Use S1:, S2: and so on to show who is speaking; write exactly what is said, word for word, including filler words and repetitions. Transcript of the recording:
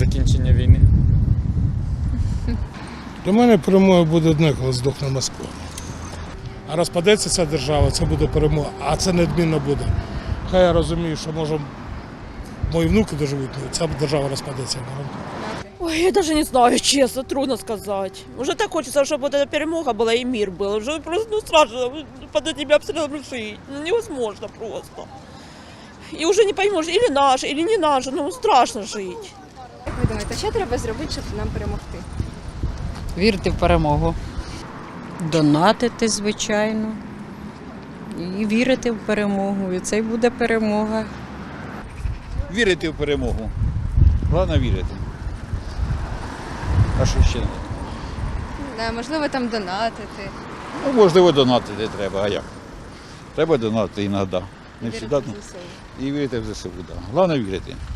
S1: закінчення війни.
S2: Для мене перемога буде одне, коли здохне Москва. А розпадеться ця держава, це буде перемога, а це неодмінно буде. Хай я розумію, що може мої внуки доживуть, але ця держава розпадеться.
S3: Ой, я даже не знаю, честно, трудно сказать. Уже так хочется, чтобы вот эта перемога была и мир был. Уже просто ну, страшно под этими обстрелами жить. Ну, невозможно просто. И уже не поймешь, или наш, или не наш, ну страшно жить.
S4: Як ви думаєте, що треба зробити, щоб нам перемогти?
S5: Вірити в перемогу.
S6: Донатити, звичайно, і вірити в перемогу, і це й буде перемога.
S7: Вірити в перемогу. Головне вірити. А що ще?
S4: Да, можливо, там донатити.
S7: Ну, можливо, донатити треба, а як? Треба донатити іноді. Не
S4: Вірити
S7: завжди.
S4: в ЗСУ.
S7: І вірити в ЗСУ, так. Головне вірити.